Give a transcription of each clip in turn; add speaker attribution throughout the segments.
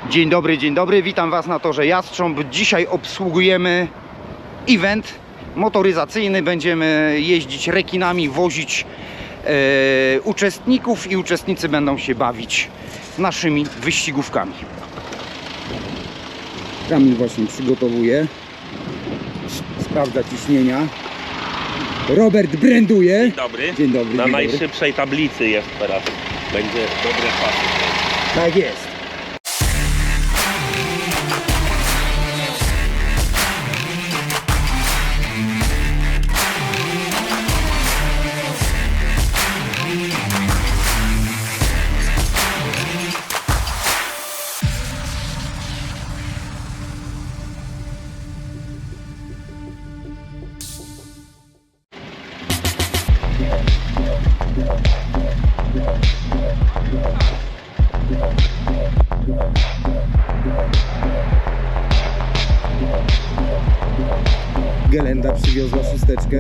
Speaker 1: Dzień dobry, witam Was na torze Jastrząb. Dzisiaj obsługujemy event motoryzacyjny. Będziemy jeździć rekinami, wozić uczestników i uczestnicy będą się bawić naszymi wyścigówkami. Kamil właśnie przygotowuje, sprawdza ciśnienia. Robert branduje.
Speaker 2: Dzień dobry.
Speaker 1: Dzień dobry.
Speaker 2: Na
Speaker 1: dzień
Speaker 2: najszybszej tablicy jest teraz. Będzie dobre czasy.
Speaker 1: Tak jest. Gelenda przywiozła szósteczkę.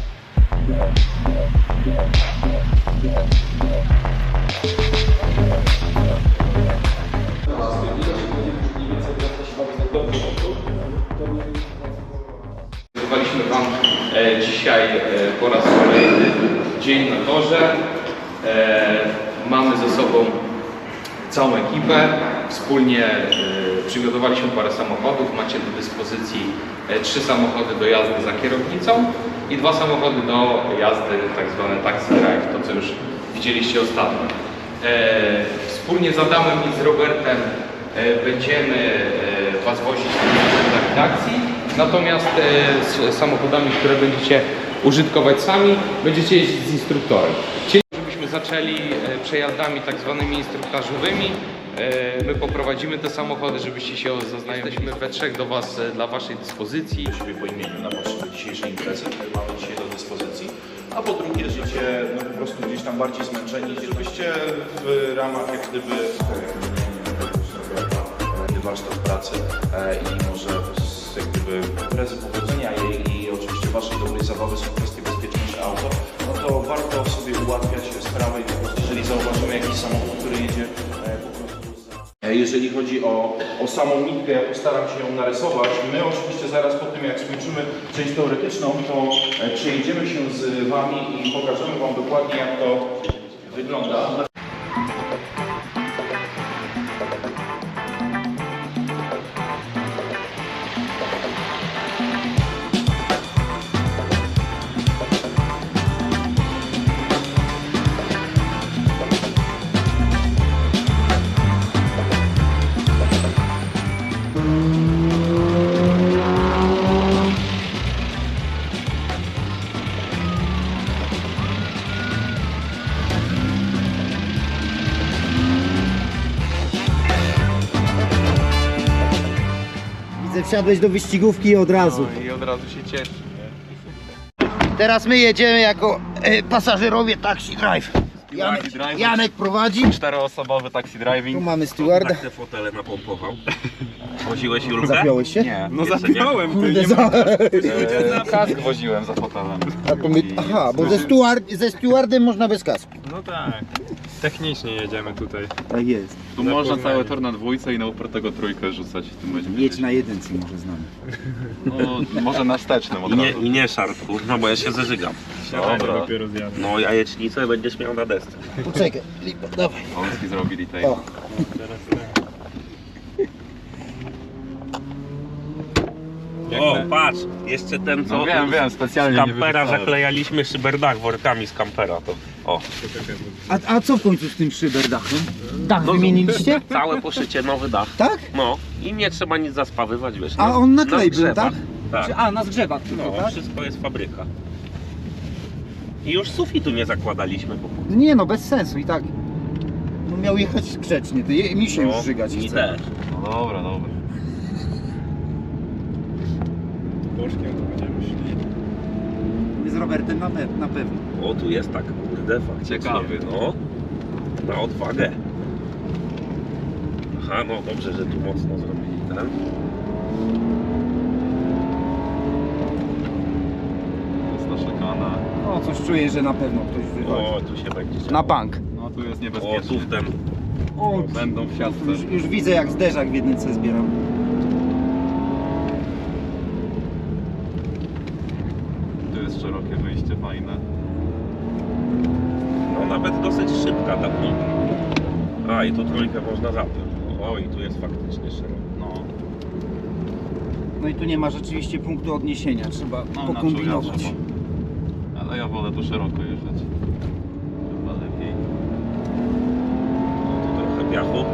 Speaker 3: Prezentowaliśmy Wam dzisiaj po raz kolejny dzień na torze. Mamy ze sobą całą ekipę. Wspólnie przygotowaliśmy parę samochodów. Macie do dyspozycji 3 samochody do jazdy za kierownicą i 2 samochody do jazdy, tak zwane taxi drive, to co już widzieliście ostatnio. Wspólnie z Adamem i z Robertem będziemy Was wozić na akcji. Natomiast z samochodami, które będziecie użytkować sami, będziecie jeździć z instruktorem. Żebyśmy zaczęli przejazdami tak zwanymi instruktażowymi. My poprowadzimy te samochody, żebyście się zaznajomili. Jesteśmy we trzech dla Waszej dyspozycji.
Speaker 4: Siebie po imieniu na potrzeby dzisiejszej imprezy, które mamy dzisiaj do dyspozycji. A po drugie, żeście po prostu gdzieś tam bardziej zmęczeni, żebyście w ramach jak gdyby warsztat pracy i może jak gdyby imprezy, powodzenia jej i oczywiście Waszej dobrej zabawy są kwestie bezpieczniejsze auto, no to warto sobie ułatwiać sprawę i po prostu jeżeli zauważymy jakiś samochód, który jedzie po prostu Jeżeli chodzi o samą nitkę, ja postaram się ją narysować. My oczywiście zaraz po tym, jak skończymy część teoretyczną, to przejedziemy się z Wami i pokażemy Wam dokładnie, jak to wygląda.
Speaker 1: Wsiadłeś do wyścigówki od razu.
Speaker 3: I od razu się cieszę.
Speaker 1: Teraz my jedziemy jako pasażerowie taxi drive. Janek prowadzi.
Speaker 2: 4-osobowy taxi driving.
Speaker 1: Tu mamy stewarda.
Speaker 2: Tak te fotele napompował. Woziłeś Julkę?
Speaker 1: Zapiąłeś się?
Speaker 2: Nie.
Speaker 3: No zapiąłem.
Speaker 1: Kurde,
Speaker 2: Kask woziłem za fotelem.
Speaker 1: Aha, bo ze stewardem można bez kasku.
Speaker 5: No tak, technicznie jedziemy tutaj.
Speaker 1: Tak jest.
Speaker 6: Tu można cały tor na dwójce i na upartego trójkę rzucać. Tu będziemy
Speaker 1: Jedź na jedynce może z nami.
Speaker 6: No, może na wstecznym od razu.
Speaker 2: I nie szarp, kurwa, bo ja się zażygam.
Speaker 6: Dobra.
Speaker 5: Dopiero zjadę.
Speaker 2: No jajecznicę będziesz miał na desce.
Speaker 1: Poczekaj, lipa, dawaj.
Speaker 6: Polski zrobili tej.
Speaker 1: O,
Speaker 2: O, patrz, jeszcze ten co
Speaker 6: No wiem, specjalnie
Speaker 2: z
Speaker 6: nie
Speaker 2: kampera
Speaker 6: wyrzucałem.
Speaker 2: zaklejaliśmy szyberdach workami z kampera. To, o,
Speaker 1: a co w końcu z tym szyberdachem? Dach
Speaker 2: No,
Speaker 1: wymieniliście?
Speaker 2: całe poszycie, nowy dach.
Speaker 1: Tak?
Speaker 2: No i nie trzeba nic zaspawywać, wiesz.
Speaker 1: A on na klej był,
Speaker 2: zgrzewach.
Speaker 1: tak?
Speaker 2: Tak.
Speaker 1: A, na zgrzewach tylko,
Speaker 2: No,
Speaker 1: tak?
Speaker 2: wszystko jest fabryka. I już sufitu nie zakładaliśmy, bo
Speaker 1: Nie no, bez sensu i tak. No miał jechać grzecznie, mi się już żygać
Speaker 2: mi
Speaker 1: chce.
Speaker 2: też.
Speaker 6: No dobra, dobra.
Speaker 5: Bożkiem to będziemy szli.
Speaker 1: My z Robertem na pewno.
Speaker 2: O, tu jest tak, kurde, faktycznie.
Speaker 6: Ciekawy,
Speaker 2: no. Na odwagę. Aha, no dobrze, że tu mocno zrobili ten.
Speaker 6: Jest ta szykana.
Speaker 1: No coś czuję, że na pewno ktoś wywali.
Speaker 2: O, tu się będzie
Speaker 1: Na bank.
Speaker 6: No tu jest
Speaker 2: O,
Speaker 6: niebezpiecznie.
Speaker 2: tu w ten
Speaker 1: O,
Speaker 6: Będą w siatce.
Speaker 1: już widzę, jak zderzak w jedynce zbieram.
Speaker 6: Tu jest szerokie wyjście, fajne.
Speaker 2: No nawet dosyć szybka ta droga. A i tu trójkę można zapiąć. O, i tu jest faktycznie szeroko.
Speaker 6: No.
Speaker 1: No i tu nie ma rzeczywiście punktu odniesienia, trzeba pokombinować.
Speaker 6: Ale ja wolę tu szeroko jeżdżać. Chyba lepiej.
Speaker 2: No, tu trochę piachu.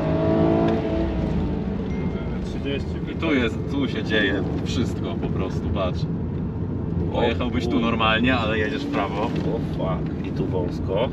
Speaker 5: 30.
Speaker 6: I tu się dzieje wszystko po prostu, patrz. Pojechałbyś tu normalnie, ale jedziesz w prawo.
Speaker 2: O fuck, i tu wąsko.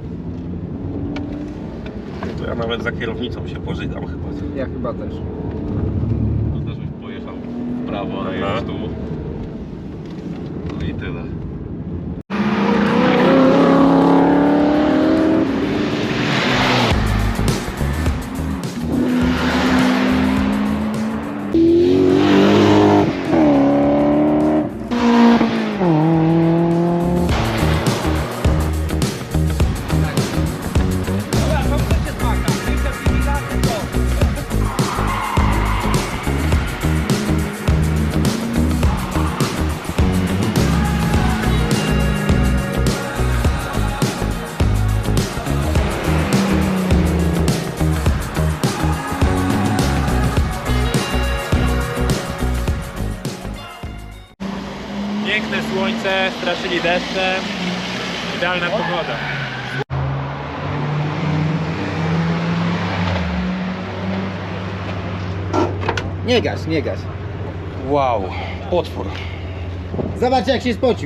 Speaker 2: No to ja nawet za kierownicą się pożygam chyba.
Speaker 1: Ja chyba też.
Speaker 6: To też byś pojechał w prawo, ale
Speaker 2: Aha.
Speaker 6: jedziesz tu. No i tyle.
Speaker 5: Piękne słońce, straszyli deszczem. Idealna pogoda.
Speaker 1: Nie gaś, nie gaś. Wow, potwór. Zobacz, jak się spocił.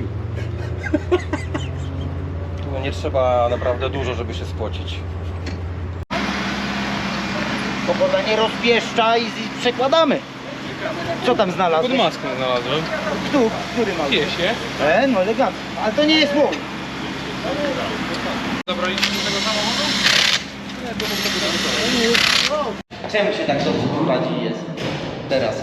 Speaker 2: No nie trzeba naprawdę dużo, żeby się spocić.
Speaker 1: Pogoda nie rozpieszcza i przekładamy. Co tam znalazłeś?
Speaker 5: Pod maską znalazłem.
Speaker 1: Który mały?
Speaker 5: Piesie.
Speaker 1: No elegancko. Ale to nie jest łój.
Speaker 5: Zabraliście do tego samochodu?
Speaker 1: Czemu się tak dobrze prowadzi jest teraz?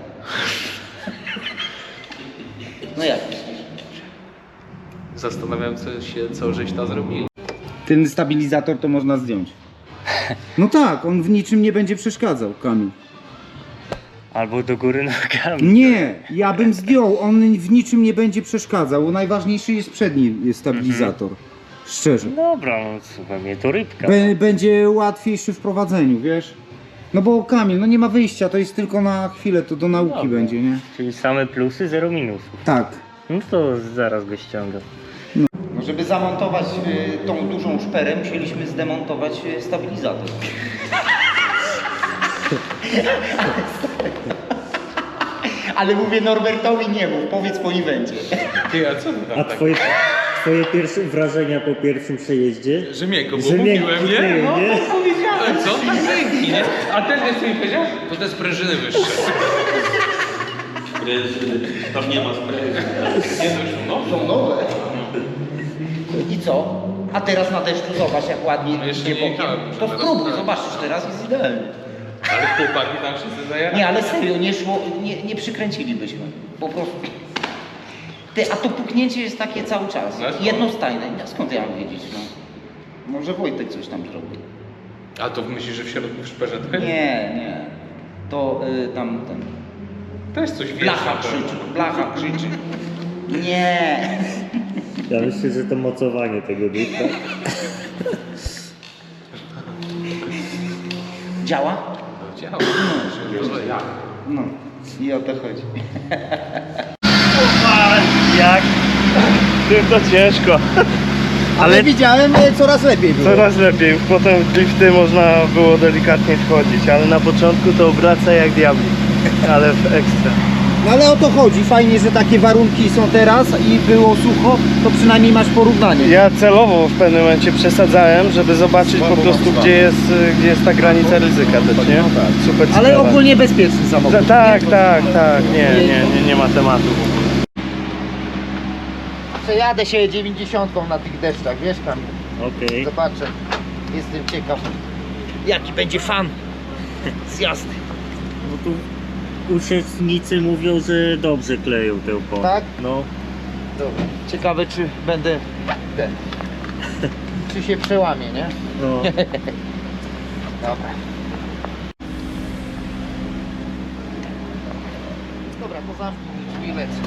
Speaker 1: No jak myślisz?
Speaker 3: Zastanawiam się, co żeś tam zrobili.
Speaker 1: Ten stabilizator to można zdjąć. No tak, on w niczym nie będzie przeszkadzał, Kamil.
Speaker 7: Albo do góry nogami.
Speaker 1: Nie, ja bym zdjął, on w niczym nie będzie przeszkadzał. Najważniejszy jest przedni stabilizator. Szczerze.
Speaker 7: Dobra, no słuchaj mnie, to rybka.
Speaker 1: Będzie łatwiejszy w prowadzeniu, wiesz? No bo Kamil, no nie ma wyjścia, to jest tylko na chwilę, to do nauki
Speaker 7: Dobra.
Speaker 1: będzie, nie?
Speaker 7: Czyli same plusy, zero minusów.
Speaker 1: Tak.
Speaker 7: No to zaraz go ściągam.
Speaker 1: No żeby zamontować tą dużą szperę, musieliśmy zdemontować stabilizator. Ale mówię Norbertowi nie mów, powiedz po evencie.
Speaker 7: A twoje pierwsze wrażenia po pierwszym przejeździe?
Speaker 3: Że miękko, bo
Speaker 7: Że miękko,
Speaker 3: mówiłem, nie?
Speaker 7: no, nie?
Speaker 3: Powiedziałem, co? Dzięki, nie? A ten jest co mi powiedział? To te sprężyny wyższe.
Speaker 2: Tam nie ma sprawy.
Speaker 1: Są nowe. I co? A teraz na deszczu zobacz jak ładnie
Speaker 3: No jeszcze
Speaker 1: idzie
Speaker 3: nie
Speaker 1: bokiem.
Speaker 3: jechałem,
Speaker 1: To
Speaker 3: teraz
Speaker 1: spróbuj,
Speaker 3: tak.
Speaker 1: zobaczysz, teraz jest idealnie.
Speaker 3: Ale chłopaki tam wszyscy zajarali.
Speaker 1: Nie, ale serio, nie szło, nie przykręcilibyśmy. Po prostu. Ty, a to puknięcie jest takie cały czas.
Speaker 3: No,
Speaker 1: Jednostajne. Ja skąd ja mam wiedzieć, no? Może Wojtek coś tam zrobił.
Speaker 3: A to myślisz, że w środku w szperzetkę?
Speaker 1: Nie. To tam ten.
Speaker 3: Też coś wiesz.
Speaker 1: Blacha
Speaker 3: na pewno.
Speaker 1: krzyczy, blacha krzyczy. Nie.
Speaker 7: Ja myślę, że to mocowanie tego ducha.
Speaker 1: Działa?
Speaker 3: Działa.
Speaker 1: No. I o to chodzi.
Speaker 7: Jak? To ciężko.
Speaker 1: Ale widziałem, coraz lepiej było.
Speaker 7: Coraz lepiej. Potem w drifty można było delikatnie wchodzić, ale na początku to obraca jak diabli. Ale w ekstra.
Speaker 1: No ale o to chodzi. Fajnie, że takie warunki są teraz i było sucho, to przynajmniej masz porównanie.
Speaker 8: Ja celowo w pewnym momencie przesadzałem, żeby zobaczyć po prostu gdzie jest ta granica ryzyka też, nie? Super
Speaker 1: Ale
Speaker 8: sprawa.
Speaker 1: ogólnie bezpieczny samochód.
Speaker 8: Tak, nie ma tematu.
Speaker 1: Przejadę się 90 na tych deszczach, wiesz tam.
Speaker 7: Okej.
Speaker 1: Zobaczę. Jestem ciekaw, jaki będzie fan z jazdy.
Speaker 7: No tu uczestnicy mówią, że dobrze kleją tę opony.
Speaker 1: Tak?
Speaker 7: No.
Speaker 1: Dobra. Ciekawe, czy będę ten. Czy się przełamie, nie?
Speaker 7: No.
Speaker 1: Dobra. Dobra, to zamknij drzwi, lecę.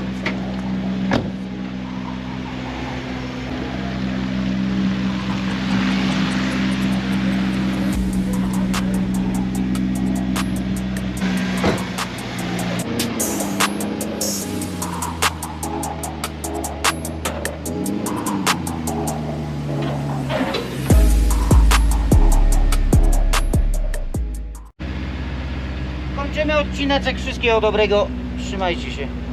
Speaker 1: Kończymy odcineczek. Wszystkiego dobrego. Trzymajcie się.